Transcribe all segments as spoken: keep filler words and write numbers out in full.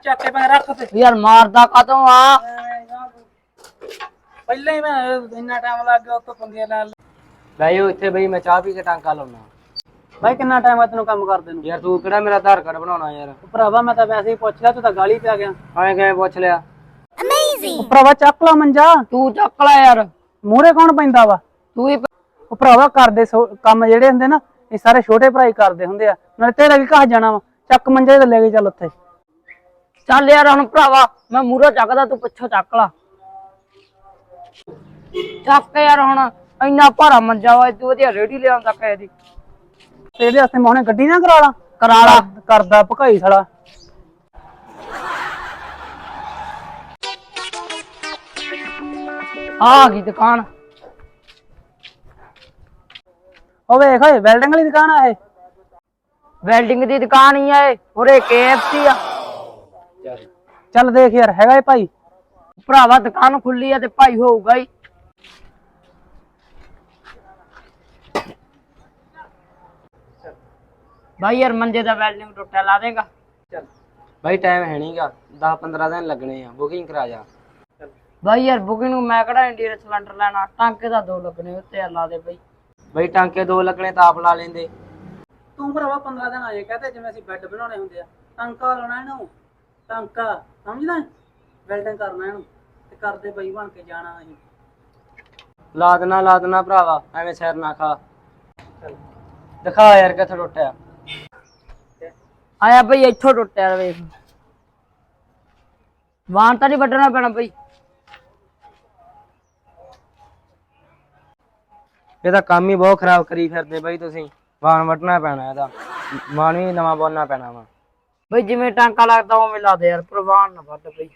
ਚੱਕ ਕੇ ਪੈ ਰੱਖ ਤੇ यार मारदा कदों आ ਪਹਿਲਾਂ ਹੀ ਮੈਂ ਇੰਨਾ ਟਾਈਮ ਲੱਗ ਗਿਆ ਉੱਤੋਂ ਪੰਗੇ ਨਾਲ ਬਈ ਇੱਥੇ ਬਈ ਮੈਂ ਚਾਹ ਪੀ ਕੇ ਟਾਂਕਾ ਲਾਉਣਾ। ਬਾਈ ਕਿੰਨਾ ਟਾਈਮ ਆ ਤੈਨੂੰ ਕੰਮ ਕਰਦੇ ਨੂੰ? ਯਾਰ ਤੂੰ ਕਿਹੜਾ ਮੇਰਾ ਆਧਾਰ ਕਾਰਡ ਬਣਾਉਣਾ ਯਾਰ। ਭਰਾਵਾ ਮੈਂ ਤਾਂ ਵੈਸੇ ਹੀ ਪੁੱਛ ਲਿਆ, ਤੂੰ ਤਾਂ ਗਾਲੀ ਪੈ ਗਿਆ। ਐਂ ਕਿਵੇਂ ਪੁੱਛ ਲਿਆ? ਅਮੇਜ਼ਿੰਗ। ਭਰਾਵਾ ਚੱਕ ਲਾ ਮੰਜਾ, तू चक ला यार। ਮੂਹਰੇ ਕੌਣ ਪੈਂਦਾ ਵਾ? तू ही ਉਹ ਭਰਾਵਾ ਕਰਦੇ ਕੰਮ ਜਿਹੜੇ ਹੁੰਦੇ ਨਾ ਇਹ ਸਾਰੇ ਛੋਟੇ ਭਰਾ ਹੀ ਕਰਦੇ ਹੁੰਦੇ ਆ, ਨਾਲੇ ਤੇਰਾ ਵੀ ਘਰ ਜਾਣਾ ਵਾ। ਚੱਕ ਮੰਜੇ ਤੇ ਲੈ ਕੇ ਚੱਲ ਉੱਥੇ। चल यार हुण भरावा मैं मूहरों चकदा तू पिछों चक ला। चक यार हुण इन्ना भारा मंजा वा तू वधिया रेडी ले आंदा कहे दी। ਇਹਦੇ ਵਾਸਤੇ ਮੈਂ ਹੁਣੇ ਗੱਡੀ ਨਾ ਕਰਾ ਲਾ। करा ला ਕਰਦਾ ਭਕਾਈ ਸਾਲਾ। आ गई दुकान। ਉਹ ਵੇਖ ਓਏ ਵੈਲਡਿੰਗ ਵਾਲੀ ਦੁਕਾਨ ਆ ਇਹ। वेल्डिंग दी दुकान ही है उरे केएफसी आ। ਚੱਲ ਦੇਖ ਯਾਰ ਹੈਗਾ ਇਹ ਭਾਈ। भरावा दुकान खुली है ते भाई होऊगा ही। भाई यार मंजे दा वेल्डिंग टुटा ला देगा? ਚੱਲ ਬਈ ਟਾਈਮ ਹੈ ਨਹੀਂਗਾ, दस पंद्रह दिन लगने ਆ, ਬੁਕਿੰਗ ਕਰਾ ਜਾ। भाई यार बुकिंग मैं कड़ा इंडियन सिलेंडर लेना, टांके दा दो लगने उत्ते ला दे भाई। ਬਈ ਟਾਂਕੇ ਦੋ ਲੱਗਣੇ ਤਾਂ ਆਪ ਲਾ ਲੈਂਦੇ। ਤੂੰ ਭਰਾਵਾ ਪੰਦਰਾਂ ਦਿਨ ਆਏ ਕਹਤੇ ਜਿਵੇਂ ਅਸੀਂ ਬੈੱਡ ਬਣਾਉਣੇ ਹੁੰਦੇ ਆ। ਟਾਂਕਾ ਲਾਉਣਾ ਇਹਨੂੰ, ਟਾਂਕਾ ਸਮਝਦਾ? ਵੈਲਡਿੰਗ ਕਰਨਾ ਇਹਨੂੰ ਤੇ ਕਰਦੇ ਬਈ ਬਣ ਕੇ ਜਾਣਾ ਅਸੀਂ। ਲਾ ਦੇਣਾ ਲਾ ਦੇਣਾ ਭਰਾਵਾ, ਐਵੇਂ ਸਿਰ ਨਾ ਖਾ। ਦਿਖਾ ਯਾਰ ਕਿੱਥੇ ਟੁੱਟਿਆ। आया भाई इथों टुटिया वेख। वाहन तो नहीं वड्डना पैना भाई। ਇਹਦਾ ਕੰਮ ਹੀ ਬਹੁਤ ਖਰਾਬ ਕਰੀ ਫਿਰਦੇ ਬਈ ਤੁਸੀਂ। ਵਾਹਣ ਵੱਢਣਾ ਪੈਣਾ ਇਹਦਾ, ਮਾਨ ਵੀ ਨਵਾਂ ਬੋਲਣਾ ਪੈਣਾ ਵਾ। भाई जिवें टांका लगदा उवें ला दे यार, प्रवान ना वड्ड भाई।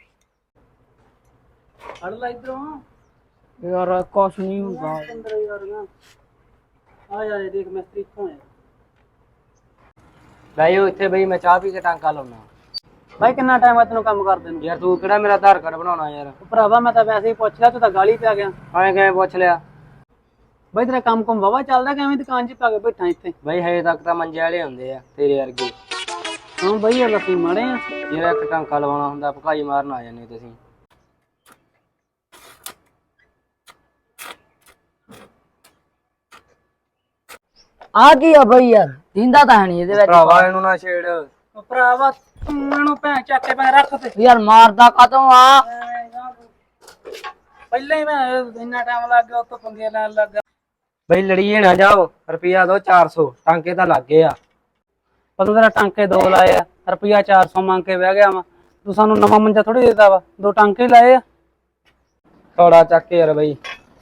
ਫੜ ਲੈ ਇਧਰੋਂ यार कुछ नहीं हुंदा। ਅੰਦਰ ਯਾਰ ਨਾ ਆ ਜਾ ਇਹ ਦੇਖ ਮਿਸਤਰੀ ਇੱਥੋਂ ਆਇਆ। ਬਈ ਇੱਥੇ ਬਈ ਮੈਂ ਚਾਹ ਪੀ ਕੇ ਟਾਂਕਾ ਲਾਉਣਾ। ਬਾਈ ਕਿੰਨਾ ਟਾਈਮ ਆ ਤੈਨੂੰ ਕੰਮ ਕਰਦੇ ਨੂੰ? ਯਾਰ ਤੂੰ ਕਿਹੜਾ ਮੇਰਾ ਆਧਾਰ ਕਾਰਡ ਬਣਾਉਣਾ ਯਾਰ। ਭਰਾਵਾ ਮੈਂ ਤਾਂ ਵੈਸੇ ਹੀ ਪੁੱਛ ਲਿਆ, ਤੂੰ ਤਾਂ ਗਾਲੀ ਪੈ ਗਿਆ। ਐਂ ਕਿਵੇਂ ਪੁੱਛ ਲਿਆ? ਬਾਈ ਤੇਰਾ ਕੰਮ ਕੰਮ ਵਾਵਾ ਚੱਲਦਾ, ਕਿਵੇਂ ਦੁਕਾਨ 'ਚ ਪਾ ਕੇ ਬੈਠਾ ਇੱਥੇ? ਬਈ ਹਜੇ ਤੱਕ ਤਾਂ ਮੰਜੇ ਵਾਲੇ ਹੁੰਦੇ ਆ ਤੇਰੇ ਵਰਗੇ। ਹਾਂ ਬਾਈ ਇਹ ਲੱਸੀ ਮਾੜੇ ਆ। ਜਿਹੜਾ ਇੱਕ ਟਾਂਕਾ ਲਵਾਉਣਾ ਹੁੰਦਾ ਭਕਾਈ ਮਾਰਨ ਆ ਜਾਂਦੇ ਤੁਸੀਂ। आ गया भाई यार, दींदा तां है नहीं इहदे विच। ਭਰਾਵਾ ਇਹਨੂੰ ਨਾ ਛੇੜ। ਉਹ ਭਰਾਵਾ ਤੂੰ ਇਹਨੂੰ ਭੈਣ ਚੱਕ ਕੇ ਪੈ ਰੱਖ ਤੇ। यार मारदा कदों आ ਪਹਿਲਾਂ ਹੀ ਮੈਂ ਇੰਨਾ ਟਾਈਮ ਲੱਗ ਗਿਆ ਉੱਤੋਂ ਪੰਗੇ ਲੈਣ ਲੱਗ ਗਿਆ। ਬਈ ਲੜੀਏ ਨਾ ਜਾਓ, ਰੁਪਿਆ ਦੋ ਚਾਰ ਸੌ, ਟਾਂਕੇ ਤਾਂ ਲੱਗ ਗਏ ਆ। ਪਤਾ ਤੇਰਾ ਟਾਂਕੇ ਦੋ ਲਾਏ ਆ, ਰੁਪਿਆ ਚਾਰ ਸੌ ਮੰਗ ਕੇ ਬਹਿ ਗਿਆ ਵਾ। ਤੂੰ ਸਾਨੂੰ ਨਵਾਂ ਮੰਜਾ ਥੋੜੀ ਦੇਦਾ ਵਾ, ਦੋ ਟਾਂਕੇ ਹੀ ਲਾਏ ਆ। ਥੋੜਾ ਚੱਕ ਕੇ ਯਾਰ ਬਈ,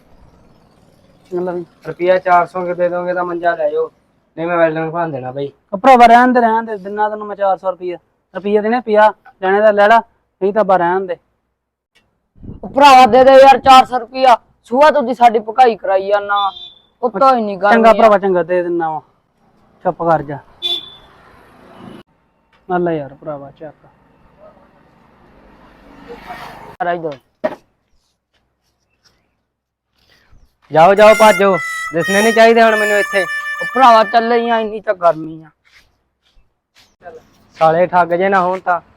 ਮਤਲਬ ਰੁਪਿਆ ਚਾਰ ਸੌ ਕੇ ਦੇ ਦੋਗੇ ਤਾਂ ਮੰਜਾ ਲੈ ਜਾਓ, ਨਹੀਂ ਮੈਂ ਵੈਲਡਿੰਗ ਭਾਂ ਦੇਣਾ ਬਈ। ਭਰਾਵਾ ਰਹਿਣ ਦੇ ਰਹਿਣ ਦੇ, ਦਿਨਾਂ ਤੈਨੂੰ ਮੈਂ ਚਾਰ ਸੌ ਰੁਪਈਆ ਰੁਪਈਆ ਦੇਣੇ ਪਿਆ ਲੈਣੇ ਦਾ ਲੈ ਲਾ, ਨਹੀਂ ਤਾਂ ਬਾ ਰਹਿਣ ਦੇ। भरावा दे दे यार चार सौ रुपया। सुहा तू दी साडी पकाई कराई जाना, उत्तो ही नहीं गल। ਚੰਗਾ ਭਰਾਵਾ ਚੰਗਾ ਦੇ ਦਿੰਦਾ ਵਾ, ਚੁੱਪ ਕਰ ਜਾ। ਨਾਲ ਯਾਰ ਭਰਾਵਾ ਚੱਕ ਜਾਓ ਜਾਓ ਭਾਜੋ, ਦਿਸਣੇ ਨਹੀਂ ਚਾਹੀਦੇ ਹੁਣ ਮੈਨੂੰ ਇੱਥੇ। भरावा चले ही इन्नी तो गर्मी आ। ਸਾਲੇ ਠੱਗ ਜੇ ਨਾ ਹੋਣ ਤਾਂ